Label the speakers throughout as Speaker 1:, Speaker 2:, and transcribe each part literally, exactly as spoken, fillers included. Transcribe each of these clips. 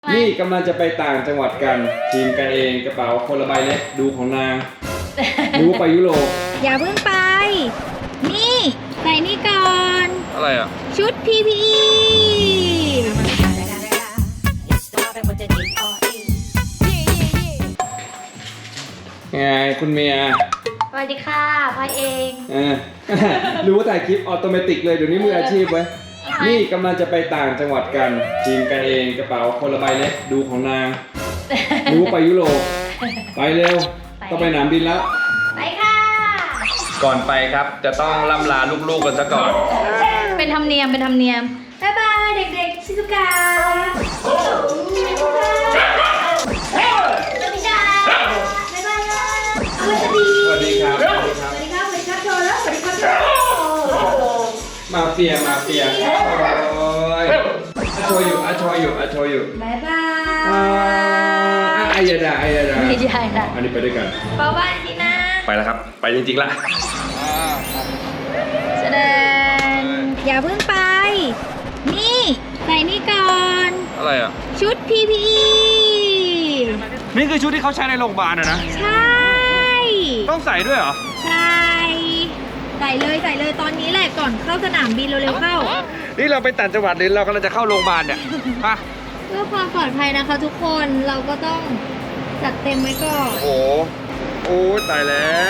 Speaker 1: นี่กำลังจะไปต่างจังหวัดกันทีมกันเองกระเป๋าคนละใบเล็กดูของนางดูไปยุโรป
Speaker 2: อย่าเพิ่งไป นี่ใส่นี่ก่อน
Speaker 1: อะไรอ่ะ
Speaker 2: ชุด พี พี อี
Speaker 1: ไงคุณเมีย
Speaker 2: สวัสดีค่ะพ่อเอง
Speaker 1: เออ รู้ถ่ายคลิปออโตเมติกเลยเดี๋ยวนี้มืออาชีพไว้นี่กำลังจะไปต่างจังหวัดกันทีมกันเองกระเป๋าคนละใบเล็กดูของนางดูไปยุโรปไปเร็วต้องไปสนามบินแล้ว
Speaker 2: ไปค่ะ
Speaker 1: ก่อนไปครับจะต้องล่ำลาลูกๆกันซะก่อน
Speaker 2: เป็นธรรมเนียมเป็นธรรมเนียมบ๊ายบายเด็กๆชิซุกะสวัสดีครับ
Speaker 1: สวัสดีครับ
Speaker 2: สวัสดีครับ สวัสดีครับโชว์แล้วสวัสดีครับโชว์
Speaker 1: มาเฟียมาเฟียโอ้ยอาโชยุอาโชยุอาโชยุ
Speaker 2: บ๊ายบา
Speaker 1: อ่าย อายาดาอายาดา
Speaker 2: ไม่ใช่นะ
Speaker 1: อันนี้ไปด้วยกัน
Speaker 2: บ๊ายบายทีนะ
Speaker 1: ไปแล้วครับ ไปจริงๆละ
Speaker 2: แสดงอย่าเพิ่งไป นี่ใส่นี่ก่อน
Speaker 1: อะไรอ่ะ
Speaker 2: ชุด พี พี อี
Speaker 1: นี่คือชุดที่เขาใช้ในโรงพยาบาลอะนะ
Speaker 2: ใช่
Speaker 1: ต้องใส่ด้วยเหรอ
Speaker 2: ใช่ ใส่เลยใส่เลยตอนนี้แหละก่อนเข้าสนามบินเร็วๆเข้า
Speaker 1: นี่เราไปต่างจังหวัดหรือเรากำลังจะเข้าโรงพยาบาลเนี่ยปะ
Speaker 2: เพื่อความปลอดภัยนะคะทุกคนเราก็ต้องจัดเต็มไว้ก่อน
Speaker 1: โอ้โหโอ้ยตายแล้ว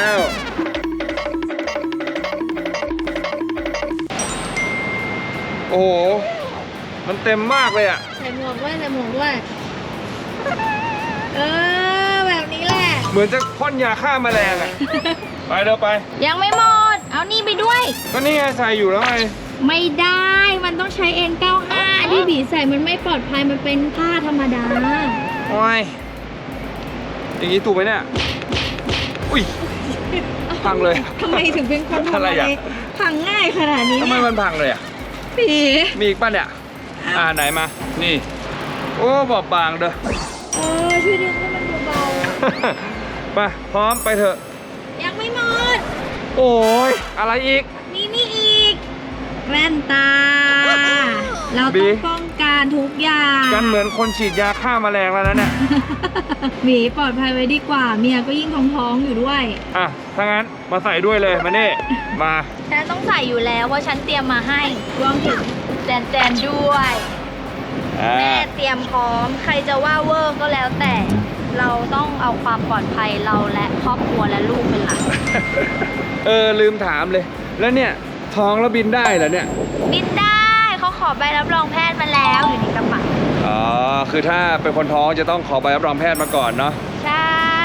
Speaker 1: โอ้โห มันเต็มมากเลยอ่ะ
Speaker 2: ใส่หมวกด้วยใส่หมวกด้วย เออแบบนี้แหละ
Speaker 1: เหมือนจะพ่นยาฆ่าแมลงอ่ะ ไปเร็วไป
Speaker 2: ยังไม่หมด เอานี่ไปด้วย
Speaker 1: ก็นี่ไงใส่อยู่แล้วไง
Speaker 2: ไม่ได้ มันต้องใช้ เอ็น เก้าสิบห้า ที่บีใส่มันไม่ปลอดภัย มันเป็นผ้าธรรมดา
Speaker 1: โอ้ย อย่างนี้ถูกไหมเนี่ย อุ้ย พังเลย
Speaker 2: ทำไมถึงเป็นคนทำ
Speaker 1: อะไรอ่ะ
Speaker 2: พังง่ายขนาดนี้
Speaker 1: ทำไม
Speaker 2: เนี่ย
Speaker 1: มันพังเลยอ่ะ
Speaker 2: บี
Speaker 1: มีอีกป่ะเนี่ย อ่าไหนมา นี่ โอ้บอบบางเด้อ
Speaker 2: เออช่วยดึงให้มันเบา
Speaker 1: ไปพร้อมไปเถอะ
Speaker 2: ๆยังไม่หมด
Speaker 1: โอ้ย อะไรอีก
Speaker 2: มีนี่อีก แว่นตา เรา
Speaker 1: บี
Speaker 2: ต้องป้องกันทุกอย่าง
Speaker 1: กันเหมือนคนฉีดยาฆ่าแมลงแล้วนะเนี่ย
Speaker 2: หมีปลอดภัยไว้ดีกว่า เมียก็ยิ่งท้องๆอยู่ด้วย
Speaker 1: อ่ะ ถ้างั้นมาใส่ด้วยเลยมานี่ มา
Speaker 2: ฉันต้องใส่อยู่แล้วว่าฉันเตรียมมาให้รวมถึงแจนแจนด้วย
Speaker 1: อ่า
Speaker 2: แม่เตรียมพร้อม ใครจะว่าเวอร์ก็แล้วแต่ เราต้องเอาความปลอดภัยเราและครอบครัวและลูกเป็นหลัก
Speaker 1: เออ ลืมถามเลย แล้วเนี่ย ท้องแล้วบินได้เหรอเนี่ย
Speaker 2: บินได้เขาขอใบรับรองแพทย์มาแล้วอยู่ในกระเป๋า
Speaker 1: อ๋อ คือถ้าเป็นคนท้องจะต้องขอใบรับรองแพทย์มาก่อนเนาะ
Speaker 2: ใช่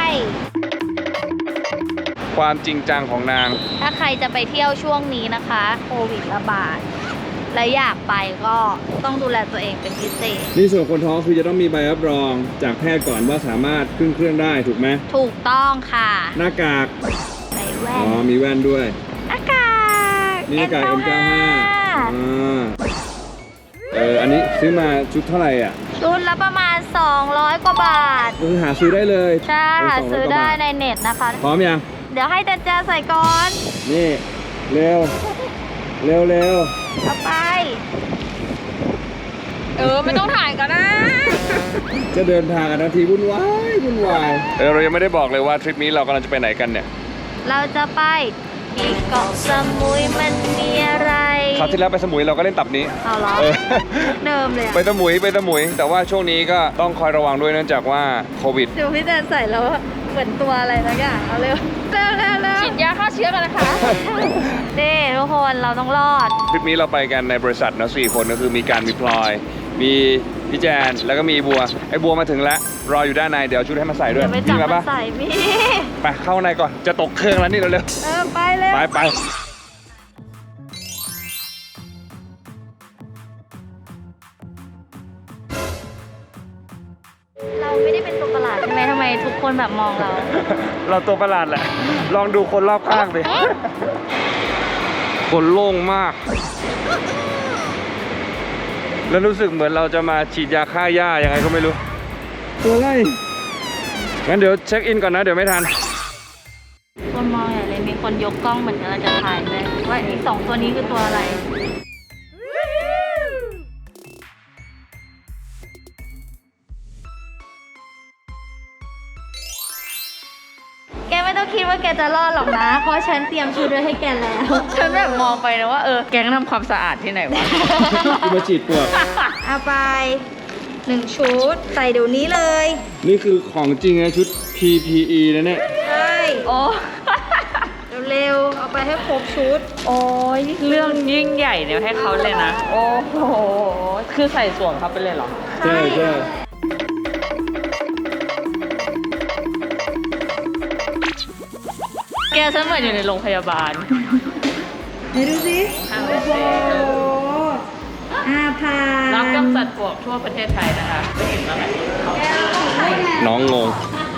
Speaker 1: ความจริงจังของนาง
Speaker 2: ถ้าใครจะไปเที่ยวช่วงนี้นะคะ โควิดระบาด และอยากไปก็ต้องดูแลตัวเองเป็นพิเศษ
Speaker 1: นี่ส่วนคนท้องคือจะต้องมีใบรับรองจากแพทย์ก่อนว่าสามารถขึ้นเครื่องได้ถูกไหม
Speaker 2: ถูกต้องค่ะ
Speaker 1: หน้ากาก
Speaker 2: ใส่แว่
Speaker 1: อ๋
Speaker 2: น
Speaker 1: อ มีแว่นด้วย
Speaker 2: หน้ากาก
Speaker 1: นี่หน้ากาก เอ็น เก้าสิบห้า อ่า เออ อันนี้ซื้อมาชุดเท่าไหร่อ่ะ
Speaker 2: ชุดละประมาณ สองร้อย กว่าบาท
Speaker 1: ก็คือหาซื้อได้เลย
Speaker 2: ใช่หา
Speaker 1: เสงร้ย
Speaker 2: ซื้อก
Speaker 1: ว่า
Speaker 2: ได้
Speaker 1: บาท
Speaker 2: ในเน็ตนะคะ
Speaker 1: พร้อมยัง
Speaker 2: เดี๋ยวให้แจนแจนใส่ก่อน
Speaker 1: นี่ เร็ว เร็วเร็ว
Speaker 2: เอาไป เออ ไม่ต้องถ่ายก็ได้
Speaker 1: จะเดินทางกันทันทีวุ่นวายวุ่นวาย เออ เรายังไม่ได้บอกเลยว่าทริปนี้เรากำลังจะไปไหนกันเนี่ย
Speaker 2: เราจะไปที่เกาะสมุยมันมีอะไร
Speaker 1: คราวที่แล้วไปสมุยเราก็เล่นตับนี้
Speaker 2: เอาเหรอ
Speaker 1: เออ
Speaker 2: เดิมเลยอะ
Speaker 1: ไปสมุยไปสมุย แต่ว่าช่วงนี้ก็ต้องคอยระวังด้วยเนื่องจากว่าโควิด
Speaker 2: เดี๋ยวพี่แจนใส่แล้วเหมือนตัวอะไรสักอย่างเอาเร็วเร็วเร็วเร็วฉีดยาฆ่าเชื้อกันนะคะ เด้ทุกคนเราต้องรอด
Speaker 1: ทริปนี้เราไปกันในบริษัทนะสี่คนก็คือมีการมีพลอย มีพี่แจนแล้วก็มีบัว ไอ้บัวมาถึงแล้วรออยู่ด้านในเดี๋ยวเอาชุดให้มาใส่ด้วย
Speaker 2: เดี๋ยวไปจับ
Speaker 1: มี
Speaker 2: มา
Speaker 1: ปะ
Speaker 2: ใส่มี
Speaker 1: ไปเข้าในก่อนจะตกเครื่องแล้วนี่เร็ว
Speaker 2: เออไปเร็
Speaker 1: ๆ
Speaker 2: ว
Speaker 1: ไปไป
Speaker 2: เราไม่ได้เป็นตัวประหลาดใช่ไหมทำไมทุกคนแบบมองเรา
Speaker 1: เราตัวประหลาดแหละ ลองดูคนรอบข้างดิคนโล่งมาก แล้วรู้สึกเหมือนเราจะมาฉีดยาฆ่าหญ้ายังไงก็ไม่รู้ ตัวอะไรงั้นเดี๋ยวเช็คอินก่อนนะเดี๋ยวไม่ทัน
Speaker 2: คนมองใหญ่เลยมีคนยกกล้องเหมือนกันเราจะถ่ายเลยว่าไอ้สองตัวนี้คือตัวอะไรไม่ต้องคิดว่าแกจะรอดหรอกนะ เพราะฉันเตรียมชุดไว้ให้แกแล้ว
Speaker 3: ฉันแบบมองไปนะว่าเออแก๊งทำความสะอาดที่ไหนวะ
Speaker 1: กูมาฉีดปลวก
Speaker 2: เอาไปหนึ่งชุด ใส่เดี๋ยวนี้เลย
Speaker 1: นี่คือของจริงนะชุด พี พี อี นะเนี่ย
Speaker 2: ใช่
Speaker 3: โอ้
Speaker 2: เร็วๆ เอาไปให้ครบชุด
Speaker 3: โอ้ยเรื่องยิ่งใหญ่เนี่ยให้เขาเลยนะ โอ้โห คือใส่สวมเขาไปเลยเหรอ
Speaker 1: ใช่ใช่
Speaker 3: แกฉันเหมือนอยู่ในโรงพยาบาล
Speaker 2: ไหนดูสิ
Speaker 3: อ่ะ
Speaker 2: โอ้โหอาพา
Speaker 3: รับกำจัดปลวกทั่วประเทศไทยนะคะไปเห็นแล้วแหละ
Speaker 1: น้องงง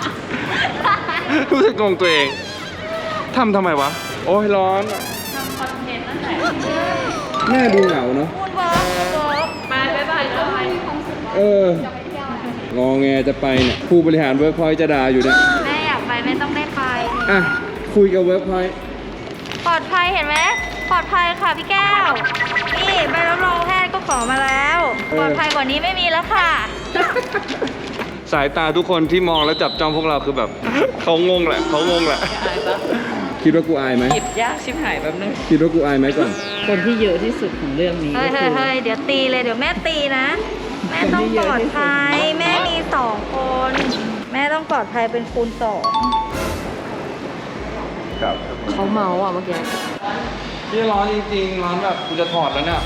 Speaker 1: รู้สึกงงตัวเองทำทำไมวะ โอ้ยร้อนอะ
Speaker 3: ทำคอนเทนต์นั่นแหละ
Speaker 1: แม่ดูเหงาเนาะ
Speaker 2: พูดบอกบอก
Speaker 3: มาบ๊ายบายเลย
Speaker 1: เออ งอแงจะไปเนี่ย ผู้บริหารเวิร์กพอยต์จะด่าอยู่เนี่ย
Speaker 2: แม่อยากไปไม่ต้องได้ไป
Speaker 1: อ่ะ คุยกับเวิร์กพอยต์
Speaker 2: ปลอดภัยเห็นไหมปลอดภัยค่ะพี่แก้ว นี่ใบรับรองแพทย์ก็ขอมาแล้ว ปลอดภัยกว่านี้ไม่มีแล้วค่ะ
Speaker 1: สายตาทุกคนที่มองแล้วจับจ้องพวกเราคือแบบ เขางงแหละเขางงแหละ
Speaker 3: อายปะ
Speaker 1: คิดว่ากูอายไหม
Speaker 3: หยิบยากชิบหายแบบนึง
Speaker 1: คิดว่ากูอายไหมก่อน
Speaker 3: คนที่เยอะที่สุดของเรื่องนี้
Speaker 2: เฮ้ย
Speaker 3: ก็
Speaker 2: เฮ้
Speaker 3: คื
Speaker 2: ย
Speaker 3: อ
Speaker 2: เฮ้ยเดี๋ยวตีเลยเดี๋ยวแม่ตีนะ แม่ต้องปลอดภัย แม่มีสองคน แม่ต้องปลอดภัยเป็นคูณสอง
Speaker 1: ครับ
Speaker 3: เขาเมาอ่ะเมื่อกี้
Speaker 1: นี่ร้อนจริงๆ ร้อนแบบกูจะถอดแล้วเนี่ย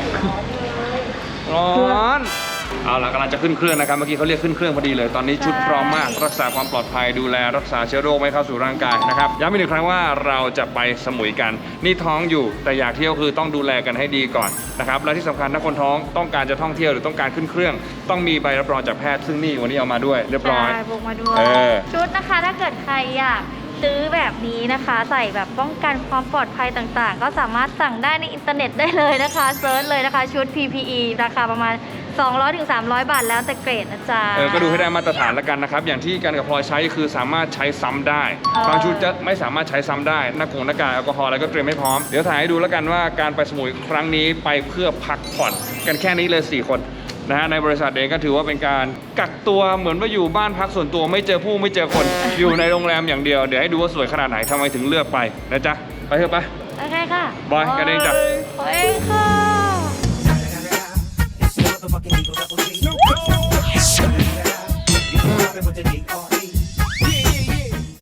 Speaker 1: ร้อน เอาละกำลังจะขึ้นเครื่องนะครับ เมื่อกี้เขาเรียกขึ้นเครื่องพอดีเลย ตอนนี้ชุดพร้อมมาก รักษาความปลอดภัย ดูแลรักษาเชื้อโรคไม่เข้าสู่ร่างกายนะครับ ย้ำอีกหนึ่งครั้งว่าเราจะไปสมุยกัน นี่ท้องอยู่ แต่อยากเที่ยวคือต้องดูแลกันให้ดีก่อนนะครับ และที่สำคัญถ้าคนท้องต้องการจะท่องเที่ยวหรือต้องการขึ้นเครื่อง ต้องมีใบรับรองจากแพทย์ ซึ่งนี่วันนี้เอามาด้วยเรียบร้อย
Speaker 2: ใช่พกมาด้วย
Speaker 1: เออ
Speaker 2: ชุดนะคะถ้าเกิดใครอยากซื้อแบบนี้นะคะ ใส่แบบป้องกันความปลอดภัยต่างๆ ก็สามารถสั่งได้ในอินเทอร์เน็ตได้เลยนะคะเซิร์ชเลยนะคะชุด พี พี อี ราคาประมาณ สองร้อยถึงสามร้อย บาทแล้วแต่เกรดนะจ๊ะ
Speaker 1: เออ ก็ดูให้ได้มาตรฐานแล้วกันนะครับ อย่างที่กันกับพลอยใช้คือสามารถใช้ซ้ำได้
Speaker 2: อ๋อ
Speaker 1: บางชุดจะไม่สามารถใช้ซ้ำได้ หน้ากงหน้ากากแอลกอฮอล์อะไรก็เตรียมให้พร้อม เดี๋ยวถ่ายให้ดูแล้วกันว่าการไปสมุยครั้งนี้ไปเพื่อพักผ่อนกันแค่นี้เลยสี่คนนะฮะ ในบริษัทเองก็ถือว่าเป็นการกักตัวเหมือนว่าอยู่บ้านพักส่วนตัวไม่เจอผู้ไม่เจอคน อยู่ในโรงแรมอย่างเดียว เดี๋ยวให้ดูว่าสวยขนาดไหนทำไมถึงเลือกไปนะจ๊ะ ไปเถอะไป
Speaker 2: โอเคค่ะ
Speaker 1: บอยกันเองจ้ะ
Speaker 2: โอ้ยค่ะ
Speaker 4: It's the motherfucking Eagle Double G. Snoop Dogg. You know I've been with the D R E.